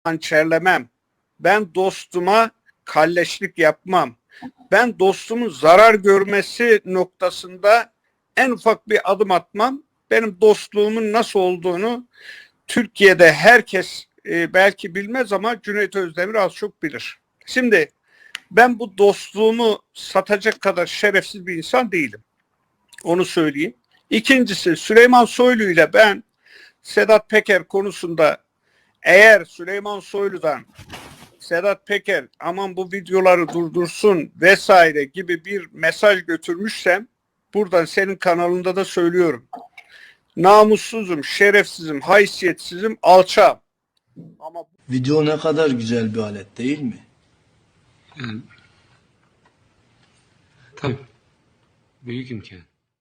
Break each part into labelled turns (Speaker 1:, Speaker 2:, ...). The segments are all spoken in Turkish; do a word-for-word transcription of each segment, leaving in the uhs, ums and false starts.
Speaker 1: hançerlemem. Ben dostuma kalleşlik yapmam. Ben dostumun zarar görmesi noktasında en ufak bir adım atmam. Benim dostluğumun nasıl olduğunu Türkiye'de herkes e, belki bilmez ama Cüneyt Özdemir az çok bilir. Şimdi ben bu dostluğumu satacak kadar şerefsiz bir insan değilim. Onu söyleyeyim. İkincisi, Süleyman Soylu ile ben Sedat Peker konusunda eğer Süleyman Soylu'dan Sedat Peker aman bu videoları durdursun vesaire gibi bir mesaj götürmüşsem buradan senin kanalında da söylüyorum. Namussuzum, şerefsizim, haysiyetsizim, alçağım. Ama
Speaker 2: Video ne kadar güzel bir alet değil mi?
Speaker 3: Yani, tabii. Büyük imkan.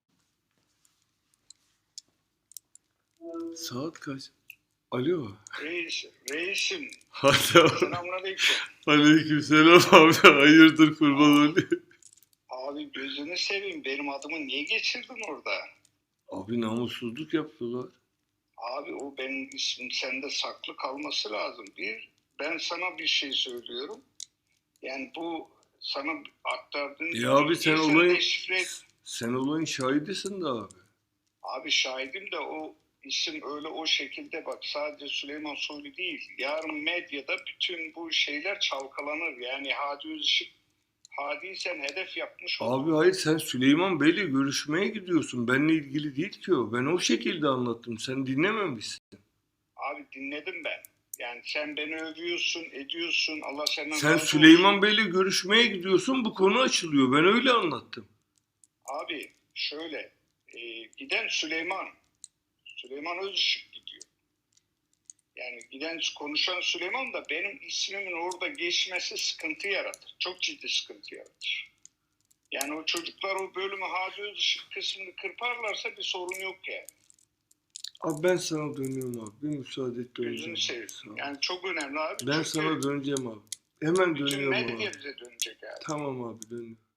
Speaker 4: Saat kaç? Alo.
Speaker 5: Reis, reisim.
Speaker 4: Hadi abi.
Speaker 5: Selamünaleyküm.
Speaker 4: Aleykümselam abi. Hayırdır kurban olayım.
Speaker 5: Abi gözünü seveyim. Benim adımı niye geçirdin orada?
Speaker 4: Abi namussuzluk yapıyorlar.
Speaker 5: Abi o benim ismim sende saklı kalması lazım. Bir, ben sana bir şey söylüyorum. Yani bu sana aktardığın...
Speaker 4: Ya abi sen
Speaker 5: bilgiyi
Speaker 4: olayın
Speaker 5: deşifre et.
Speaker 4: sen olayın şahidisin de abi.
Speaker 5: Abi şahidim de o isim öyle o şekilde bak sadece Süleyman Soylu değil. Yarın medyada bütün bu şeyler çalkalanır. Yani Hadi Özışık Hadi'yi sen hedef yapmış oldun.
Speaker 4: Abi hayır sen Süleyman Bey'le görüşmeye gidiyorsun. Benimle ilgili değil ki o. Ben o şekilde anlattım. Sen dinlememişsin.
Speaker 5: Abi dinledim ben. Yani sen beni övüyorsun, ediyorsun. Allah senden
Speaker 4: Sen
Speaker 5: razı
Speaker 4: Süleyman
Speaker 5: olsun.
Speaker 4: Bey'le görüşmeye gidiyorsun. Bu konu açılıyor. Ben öyle anlattım.
Speaker 5: Abi şöyle e, giden Süleyman. Süleyman Özışık gidiyor. Yani giden konuşan Süleyman da benim ismimin orada geçmesi sıkıntı yaratır. Çok ciddi sıkıntı yaratır. Yani o çocuklar o bölümü Hadi Özışık kısmını kırparlarsa bir sorun yok yani.
Speaker 4: Abi ben sana dönüyorum abi. Bir müsaade et döneceğim.
Speaker 5: Gözünü seveyim.
Speaker 4: Sağ ol.
Speaker 5: Yani çok önemli abi.
Speaker 4: Ben
Speaker 5: Çünkü
Speaker 4: sana döneceğim abi. Hemen
Speaker 5: bütün
Speaker 4: dönüyorum
Speaker 5: medya
Speaker 4: abi.
Speaker 5: bize dönecek abi.
Speaker 4: Tamam abi dönüyorum.